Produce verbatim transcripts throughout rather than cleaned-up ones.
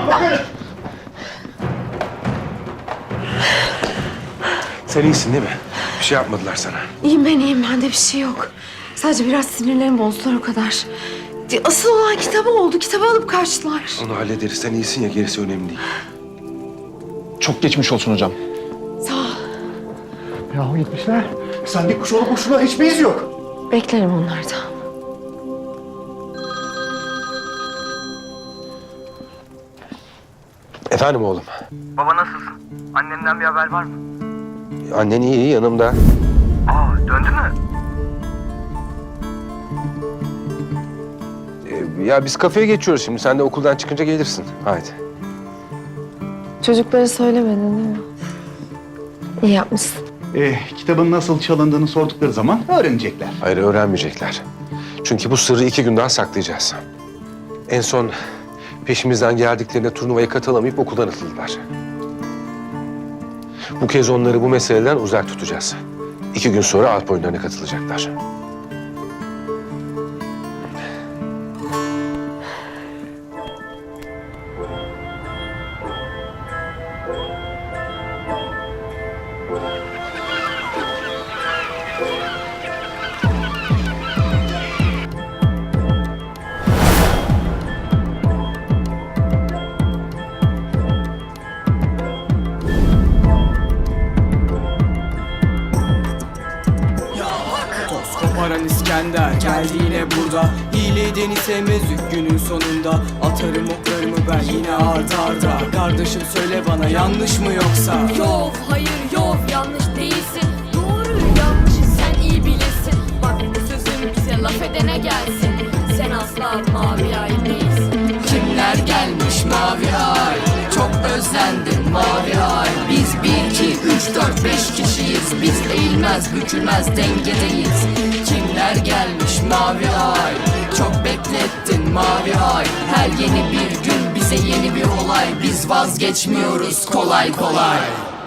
Bakın. Sen iyisin değil mi? Bir şey yapmadılar sana. İyiyim ben iyiyim. Bende bir şey yok. Sadece biraz sinirlerim bozdular o kadar. Asıl olan kitabı oldu. Kitabı alıp kaçtılar. Onu hallederiz. Sen iyisin ya, gerisi önemli değil. Çok geçmiş olsun hocam. Sağ ol. Yahu gitmişler. Sen bir kuş olup kuşuna hiçbir iz yok. Beklerim onlardan. Efendim oğlum. Baba nasılsın? Annenden bir haber var mı? Annen iyi, iyi yanımda. Aa döndü mü? Ee, ya biz kafeye geçiyoruz şimdi. Sen de okuldan çıkınca gelirsin. Haydi. Çocuklara söylemedin değil mi? İyi yapmışsın. Ee, kitabın nasıl çalındığını sordukları zaman öğrenecekler. Hayır, öğrenmeyecekler. Çünkü bu sırrı iki gün daha saklayacağız. En son peşimizden geldiklerinde turnuvaya katılamayıp okuldan atıldılar. Bu kez onları bu meseleden uzak tutacağız. İki gün sonra Alp oyunlarına katılacaklar. Koparan İskender geldi yine burada. Hileden sevmez günün sonunda. Atarım oklarımı ben yine arda arda. Kardeşim söyle bana, yanlış mı yoksa? Yok hayır yok, yanlış değilsin. Doğru yanlışı sen iyi bilirsin. Bak bu sözüm bize laf edene gelsin. Sen asla mavi ay değilsin. Kimler gelmiş mavi ay? Çok özlendim mavi ay. Biz bir, iki, üç, dört, beş kişiyiz. Biz eğilmez, bükülmez, dengedeyiz. Kimler gelmiş mavi ay? Çok beklettin mavi ay. Her yeni bir gün bize yeni bir olay. Biz vazgeçmiyoruz kolay kolay.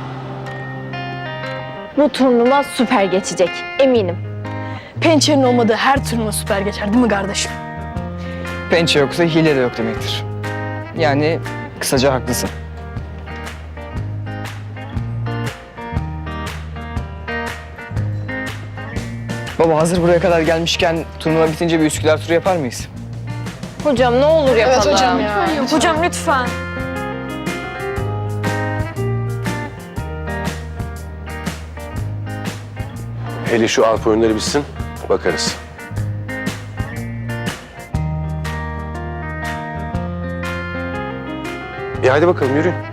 Bu turnuva süper geçecek, eminim. Pençenin olmadığı her turnuva süper geçer değil mi kardeşim? Pençe yoksa hile de yok demektir. Yani kısaca haklısın. Baba hazır buraya kadar gelmişken turnuva bitince bir Üsküdar turu yapar mıyız? Hocam ne olur yapalım. Evet hocam ya. Hocam lütfen. Hele şu Alp oyunları bitsin, bakarız. E hadi bakalım, yürüyün.